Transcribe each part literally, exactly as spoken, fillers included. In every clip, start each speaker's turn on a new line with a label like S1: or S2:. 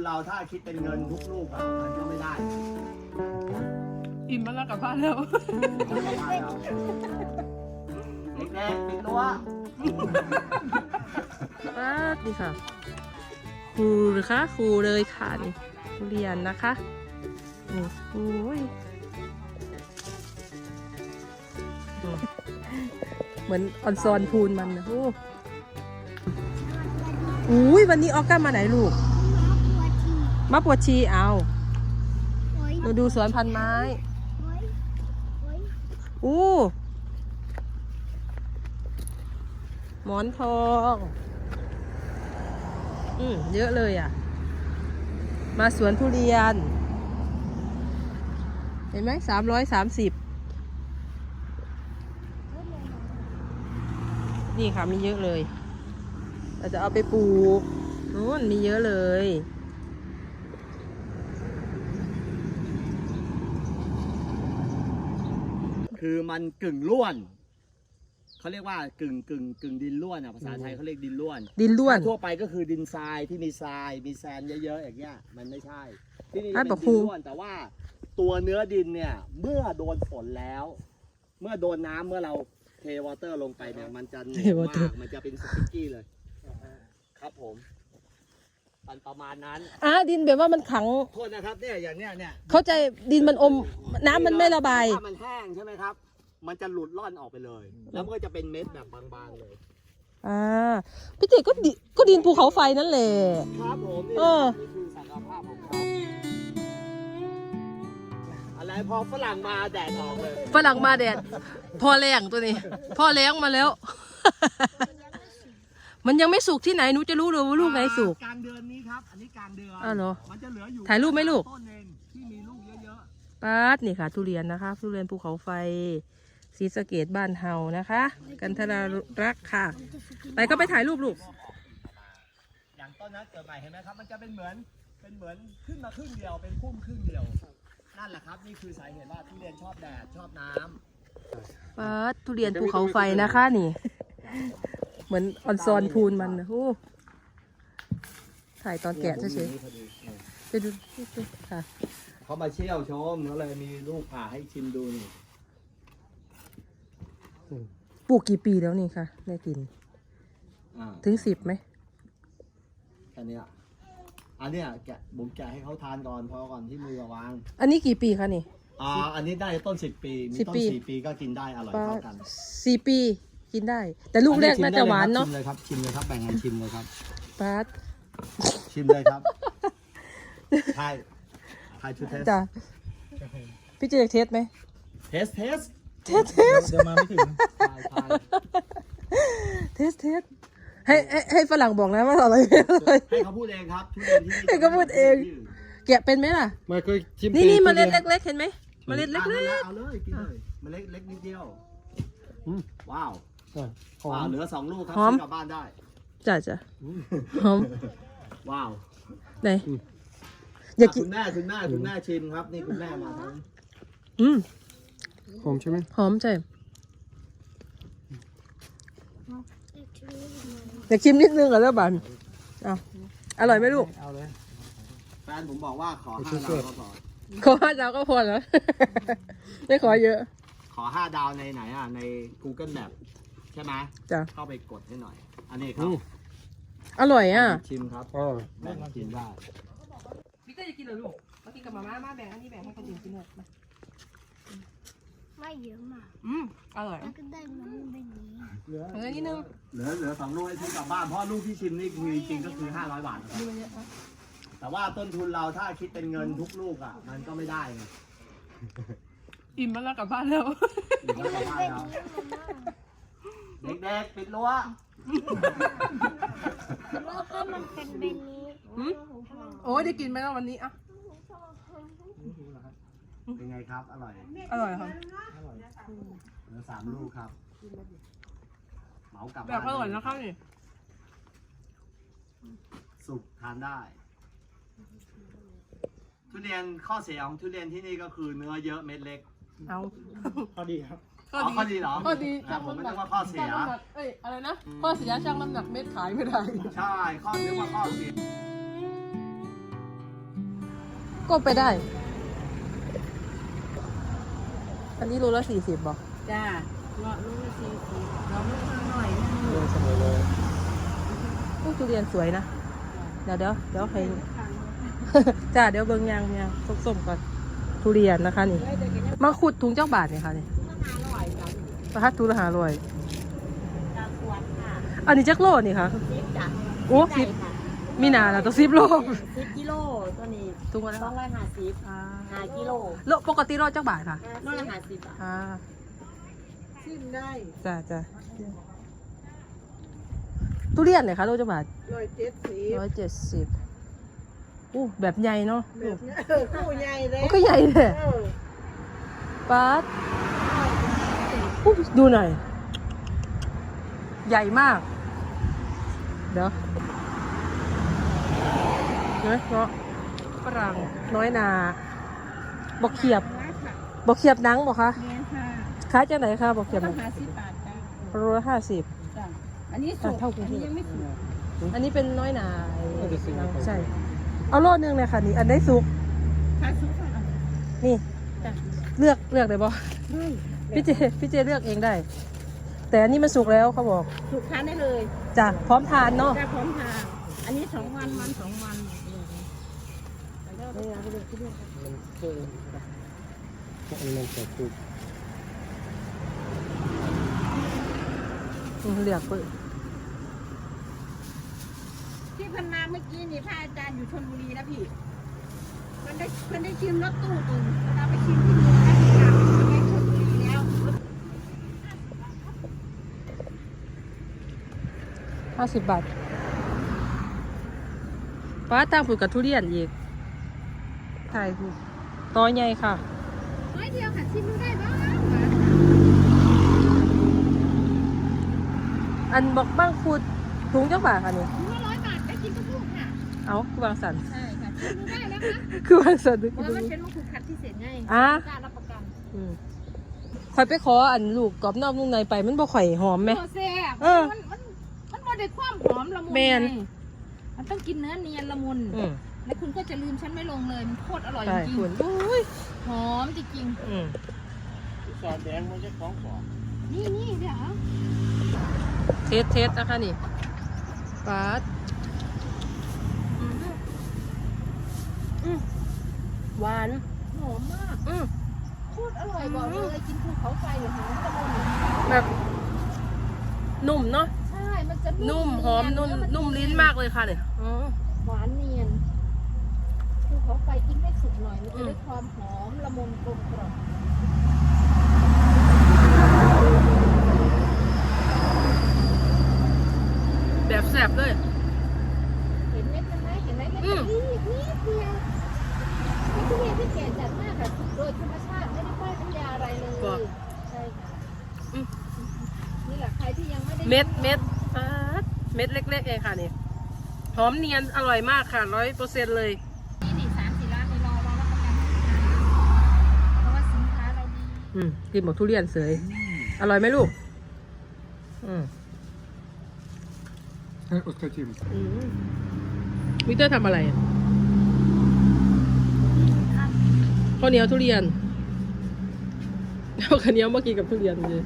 S1: เราถ้าคิดเป็นเงินทุกลูกอะมันก็ไม่ได้
S2: อิ่มมาแล้วกลับบ้านแล้ว
S1: เด็กๆปิดรั้ว
S2: ป้าดนี่ค่ะครูหรือคะครูเลยค่ะนี่ทุเรียนนะคะนี่โอ้ยอืมเหมือนออนซอนพูนมันนะโอ้อุ้ยวันนี้ออก้ามาไหนลูกมาปวดชีเอามาดูสวนพันไม้อู้หมอนทองอืมเยอะเลยอ่ะมาสวนทุเรียนเห็นไหมสามร้อยสามสิบนี่ค่ะมีเยอะเลยเราจะเอาไปปลูกนู้นมีเยอะเลย
S1: คือมันกึ่งล้วนเขาเรียกว่ากึ่งกึ่งกึ่งดินล้วนอ่ะภาษาไทยเขาเรียกดินล้วน
S2: ดินล้วน
S1: ทั่วไปก็คือดินทรายที่มีทรายมีแซนเยอะๆอย่างเงี้ยมันไม่ใช่ที่นี่
S2: อ่ะ
S1: เป็น
S2: บอกค
S1: ดิ
S2: รู
S1: นล้วนแต่ว่าตัวเนื้อดินเนี่ยเมื่อโดนฝนแล้ว เมื่อโดนน้ำเมื่อเราเทวอเตอร์ลงไปเนี่ยมันจะเหนียวมากมันจะเป็นสปิกกี้เลยครับผมมันประมาณนั้น
S2: อ่ะดินแบบว่ามันขัง
S1: โทษนะครับเนี่ยอย่างเนี้ยเนี่ย
S2: เข้าใจดินมันอมน้ำมันไม่ระบาย
S1: ถ้ามันแห้งใช่ไหมครับมันจะหลุดล่อนออกไปเลย แล้วมันก็จะเป็นเม็ดแบบบางๆเลย
S2: อ่าพี่เจก็ดิก็ดินภูเขาไฟนั่นแหละ
S1: ครับผมนี่
S2: เออ
S1: นี่คือศักยภาพของเขาอะไรพอฝรั่งมาแดดออกเลย
S2: ฝรั่งมาแดดพ่อแรงตัวนี้พ่อแรงมาแล้ว มันยังไม่สุกที่ไหนหนูจะรู้เลยว่าลูกไหนสุก
S1: กลางเดือนนี้ครับอันนี้กลางเดือน
S2: อ้าวเหรอ
S1: มันจะเหลืออยู่
S2: ถ่ายรูปไหมลูก
S1: ต้นเองที่มีลูกเยอะ
S2: ป๊าดนี่ค่ะทุเรียนนะคะทุเรียนภูเขาไฟศรีสะเกษบ้านเฮานะคะ กันทรารักษ์ค่ะ ไปก็ไปถ่ายรูปลูก
S1: ๆอย่างต้นนั้นเกิดใหม่เห็นไหมครับมันจะเป็นเหมือนเป็นเหมือนขึ้นมาครึ่งเดียวเป็นพุ่มครึ่งเดียวนั่นแหละครับนี่คือสาเหตุว่าทุเรียนชอบแดดชอบน้ำ
S2: ป๊าดทุเรียนภูเขาไฟนะคะนี่ เหมือนออนซอนพูนมันนะโอ้ถ่ายตอนแกะเฉยๆไปดูค่ะ
S1: เขามาเชี่ยวชมเขาเลยมีลูกผ่าให้ชิมดูนี่
S2: ปลูกกี่ปีแล้วนี่ค่ะได้กิน
S1: อ่า
S2: ถึงสิบไหม
S1: แค่เนี้ยอันเนี้ยแกะผมแกะให้เขาทานก่อนพอก่อนที่มือวาง
S2: อันนี้กี่ปีคะนี่
S1: อ่าอันนี้ได้ต้นสิบปีมี
S2: สิบ
S1: ต้น
S2: ปี
S1: สี่ปีก็กินได้อร่อย
S2: ป้า
S1: เท่ากัน
S2: สี่ปีกินได้ แต่ลูกแรกน่าจะหวานเนาะ
S1: ชิมเลยครับชิมเลยครับแบ่งกันชิมเลยครับ
S2: ป๊าด
S1: ชิมเลยครับทายทายชูเทส
S2: จ้ะพี่เจอยากเทสไหม
S1: เทสเทส
S2: เทสเทส
S1: จะมาไม่ถึงทายทาย
S2: เทสเทสให้ให้ให้ฝรั่งบอกนะว่าอร่อยไม่อร่อย
S1: ให้เขาพูดเองครับทุเรียนที่นี่
S2: ให้เขาพูดเอง แกะเป็นไหมล่ะ
S3: ไม่เคยชิม
S2: นี่นี่
S3: ทุ
S2: เมล็ด
S3: รีย
S2: เล็กๆเห็นไหมเมล็ดเล็ก
S1: เอาเลยเอาเลยกินเลยเมล็ดเล็กนิดเดียว
S3: อืม
S1: ว้าว
S3: ใช่หอ
S1: ว้าว
S3: ม
S1: เหลือสองลูกครับ
S2: หอม
S1: ซื้อกลับบ้านได้
S2: ๆจ้ะจ้ะหอม
S1: ว้าว
S2: ไหนอยากกิน
S1: คุณแม่คุณแม่คุณแม่ชิมครับนี่คุณแม่มาทั้ง
S2: อืม
S3: หอมใช่ไหม
S2: หอมใช่อยากชิมนิดนึงเหรอแล้วบันเอาอร่อยไหมลูก
S3: เอาเลย
S1: แฟนผมบอกว่าขอห้า
S3: ช่วย
S1: ดาวก็พอ
S2: ขอห้าดาวก็พอแล้ว ไม่ขอเยอะ
S1: ขอห้าดาวในไหนอ่ะใน Google Map ใช่ไหม
S2: จ้ะ
S1: เข้าไปกดให้หน่อย อันนี้ครับ
S3: อืม
S2: อร่อยอ่ะ
S1: ชิมครับ
S3: อร่อย
S1: แบ่งกินได้
S2: พี่เต้จะกินเหรอลูกมากินกับมาม่ามาแบ่งอันนี้แบ่งให้คนอื่นกินหน่อยมา
S4: ไม่เยอะมาก
S2: อืมอร่อย
S4: แล้วก็ได้มันแบบนี้
S1: เหลือ
S2: เออนิดนึง
S1: เหลือเหลือสองลูกให้ซื้อกลับบ้านเพราะลูกที่ชิมนี่คือจริงๆก็คือห้าร้อยบาทนะครับ
S2: ดูมันเยอะนะ
S1: แต่ว่าต้นทุนเราถ้าคิดเป็นเงินทุกลูกอ่ะ มันก็ไม่ได้ไง
S2: อิ่มมาแล้วกลับบ้านแล้ว
S1: หรือว่ากลับบ้านเราเด็กๆปิดรั้ว
S4: แล้วก็มันเป็นแบบนี้
S2: หืมโอ้ยได้กินไหมล่ะวันนี้อ่ะ
S1: เป็นไงครับ อร่อย
S2: อร่อยค่ะ
S1: เหลือสามลูกครับเหมากลับ
S2: แบ
S1: บ้า
S2: บ
S1: น
S2: อร่อยนะคะนี่
S1: สุกทานได้ ทุเรียนข้อเสียของทุเรียนที่นี่ก็คือเนื้อเยอะเม็ดเล็ก
S2: เอา
S3: พอดีครับ
S1: อ๋อข้อดีเหรอ
S2: ข้อดี
S1: อ่ะผมไม่ต้องว่าข้อเสีย
S2: ช่างน้ำหนักเอ้ยอะไรนะข้อเสียช่างน้ำหนักเม็ดขายไม่ได้
S1: ใช่ข้อเรียกว่าข้อเสีย
S2: ก็ไปได้ อันนี้โลละสี่สิบบอก
S5: จ้าเงาะลูกละสี่สิบเราลูกละหน่อยนึง
S3: เรื่องเสมอเลย
S2: ลูกทุเรียนสวยนะ เดี๋ยวเดี๋ยวเดี๋ยวให้ จ้าเดี๋ยวเบิ่งยางยางส้มๆก่อนทุเรียนนะคะนี่ มาขุดถุงเจ้าบาทเนี่ยค่ะนี่ประทัดทุละหาลอย
S5: จากขวดค่ะ
S2: อันนี้จักโลนี่ค่ะ
S5: สิบจ้ะ
S2: โอ้สิบมีนาแล้วต้องสิบโล
S5: สิบกิโลตัวนี้
S2: ถุงละ
S5: สองร้อยห้าสิบห้ากิโล
S2: โลปกติโลจักบาทค่ะ
S5: โลละห้าสิบอ่ะ
S2: อ่า
S5: ชิมได้
S2: จ้าจ้าทุเรียนเนี่ยค่ะโลจักบาท
S5: ร้อยเจ็ดสิบ
S2: ร้อยเจ็ดสิบอู้แบบใหญ่เนาะ
S5: แบบเนี้ยเออคู่ใหญ่เลย
S2: โอ้ก็ใหญ่เลย
S5: เออ
S2: ป๊าดอู้ดูหน่อย ใหญ่มาก เดี๋ยวเนาะเนาะฝรั่งน้อยนาบอกเขียบบอกเขียบหนังบอกคะ
S5: เนี่ยค่ะ
S2: ขายจากไหนคะบอกเขียบหนัง
S5: ห้าสิบบาทจ้ะ
S2: โลละห้าสิบ
S5: จ้ะอันนี้สุก
S2: เท่ากัน
S5: อันนี้ยังไม่สุก
S2: อันนี้เป็นน้อยนาใช่ เอาโลนึงเลยค่ะนี่ อันได้สุก
S5: ค่ะสุกค่ะ
S2: นี่
S5: จ้ะ
S2: เลือกเลือกได้บ่
S5: ได้
S2: พี่เจพี่เจเลือกเองได้ แต่อันนี้มันสุกแล้วเขาบอก
S5: สุกทานได้เลย
S2: จ้ะพร้อมทานเนาะ
S5: จ้ะพร้อมทานอันนี้สองวันวันสองวัน
S3: มันเพิ่มอันนี้มันเกิดขึ้น
S2: อืมเลือกเปิด
S5: ที่เพันมาเมื่อกี้นี่พระอาจารย์อยู่ชลบุรีนะพี่เพิ่นได้เพิ่นได้ชิมรถตู้ตุนเราไปชิมที่นู่นนะพี่กลับไปชลบุรีแล้ว
S2: ห้าสิบบาทป้าตั้งผูกกับทุเรียนอีกถ่ายถูกต่อใหญ่ค่ะ
S5: ร้อยเดียวค่ะชิมดูได้บ้าง
S2: อันบอกบ้างคูดถุงเจ้าบาทค่ะนี่
S5: ถุงละร้อยบาทได้กินทุกลูกค่ะ
S2: เอาคือวางสัน
S5: ใช่ค่ะชิมดูได้แล้วค่ะ
S2: คือวางสัน
S5: เพราะว่ามันเป็นมะขูดคัดพิเศษไง
S2: อ่ะ
S5: กล้ารับประกัน
S2: อืมข่อยไปขออันลูกกรอบนอกนุ่มในไปมันบ่ข่อยหอมไหม
S5: โอแซ่บ
S2: เออ
S5: มันมันมันบ่ได้ความหอมละมุน
S2: แมน
S5: ไงมันต้องกินเนื้อเนียนละมุน
S2: อืม
S5: แล้วคุณก็จะลืมฉันไม่ลงเลยมันโคตรอร่อย
S2: ใช่
S5: จริง
S2: คุณอุ้ย
S5: ๆหอมจริง
S2: อืม
S3: สอดแดงมันจะของฝอ
S5: ๆนี่นี่เดี๋ยว
S2: เทสเทสนะคะนี่ป้าดอืมอืมหวาน
S5: หอมมาก
S2: อืม
S5: โคตรอร่อยบอกเลยกินภูเขาไฟหอมละมุน
S2: แบบนุ่มเนาะ
S5: ใช่ มันจะ
S2: นุ่มหอมนุ่ม
S5: เย
S2: นุ่มลิ้นมากเลยค่ะเนี่ยอ๋อ
S5: หวานเนียนภูเขาไฟกินให้สุกหน่อย มัน
S2: อื
S5: จะ
S2: ม
S5: ได้ความหอมละมุนกลมกล่อม
S2: แบบแสบเลย
S5: เห็นเม็ดมันไหมเห็นไหมเม็ด
S2: อื
S5: มัน
S2: ม
S5: นิดนิดเดียวเป็นทุเรียนที่แก่จัดมากค่ะโดยธรรมชาติไม่ได้ป้ายน้ำยาอะไรเลย ใช่ค่ะ
S2: อืม
S5: นี่แหละใครที่ยังไม่ได้
S2: เม็ดเม็ดป๊าดเม็ดเล็กๆเองค่ะนี่หอมเนียนอร่อยมากค่ะร้อยเปอร์เซ็นต์เลย
S5: นี่นี่สามสี่ร้านนี่รอรอรับประกันเพราะว่าสินค้าเราดี
S2: อืมกินหมดทุเรียนเสยอร่อยไหมลูก อืม
S3: ให้อดกระชิม
S2: อืมวิกเตอร์ทำอะไรอะข้าวเหนียวทุเรียนเอาข้าวเหนียวมากินกับทุเรียนเลย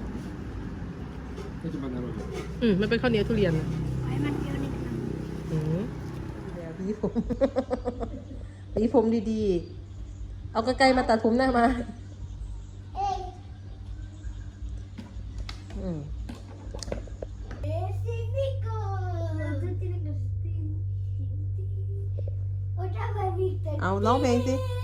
S3: ก็จะมันอร่อย
S2: อืมมันเป็นข้าวเหนียวทุเรียน
S4: ให้มันเยอะนิดนึง
S2: อืมแล้วพี่ผม พี่ผมดีๆ เอากระไกลมาตัดผมหน้ามา
S4: เอ้ย
S2: อืม
S4: Específico. Tú tienes que... Otra vez, Víctor.
S2: เอาร้องเพลงสิ
S4: Tienes